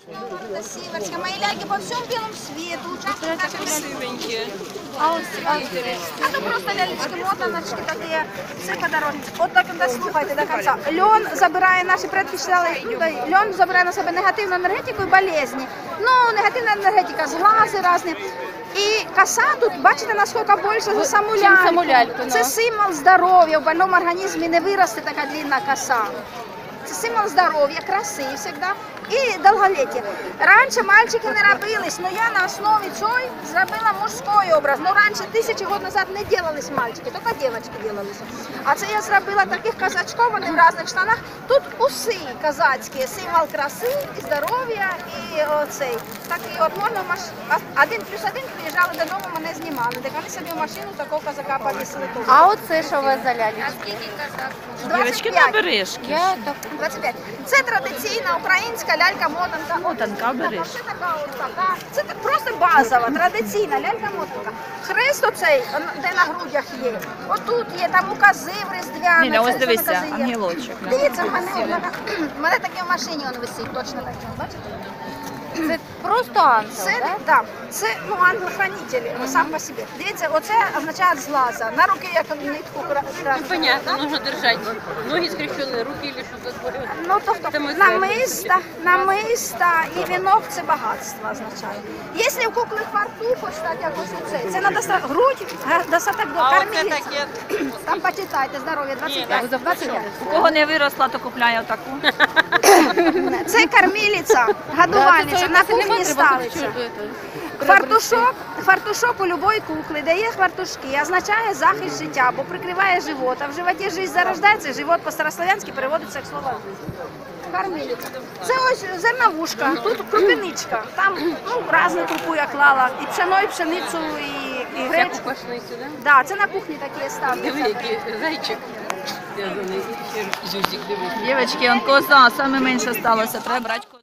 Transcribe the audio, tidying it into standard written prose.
Сиверская. Мои ляльки по всему белому свету участвуют в нашей Красивенькі. А то просто лялечки, мотаночки такі, все подорожниці. От так дослухайте до кінця. Льон забирає, наші предки читали, льон забирає на себе негативну енергетику і болезні. Ну, негативна енергетика, зглази різні. І коса тут, бачите, наскільки більше за саму ляльку. Це символ здоров'я, в больному організмі не виросте така длинна коса. Це символ здоров'я, краси завжди і довголіття. Раніше мальчики не робились, але я на основі цього зробила мужський образ. Ну, раніше, 1000 років назад не робились мальчики, тільки дівчатки робилися. А це я зробила таких казачков, вони в різних штанах. Тут уси казацькі, символ краси, і здоров'я, і оцей. Так і от можна в машину. 1+1 приїжджали додому, мене знімали. Так вони собі в машину такого казака повісили. А оце що у вас за лялечки? А скільки казак? Дівчатки на бережки. 25. Це традиційна українська лялька-мотанка. Мотанка, бережки. Це просто базова, традиційна лялька-мотанка. Хрест оцей, де на грудях є. Отут є, там укази в різдвяні. Ніля, ось дивися, ангелочок. Дивіться, в мене таке в машині він висить, точно так. Бачите? Це просто ангел, Це, так? да, це ангел-хранитель сам по собі. Дивіться, оце означає зглаза. На руки як нитку красти. Понятно, нужно держать ноги скрещенные, руки или что такое. Ну, тобто намиста і вінок – це багатство означає. Якщо в кукли фартух, ось так, як ось оце, це треба грудь, достаток до кормілиця. Там почитайте, здоров'я, 25. 25. У кого не виросла, то купляє отаку. Це кормілиця, годувальниця, на кухні ставиться. Фартушок у будь-якої куклі, де є фартушки, означає захист життя, бо прикриває живот, а в животі життя зарождається, живот по-старослов'янськи переводиться як слово кормілиця. Це ось зерновушка, тут крупиничка, там різну крупу я клала, і пшено, і пшеницю, і гречку. Пошли сюда. Да, це на кухні такі ставляться. Диви, який зайчик. Зв'язаний. Зюзик, дивись. Дівчатки, он коза, саме менше сталося, треба брати козу.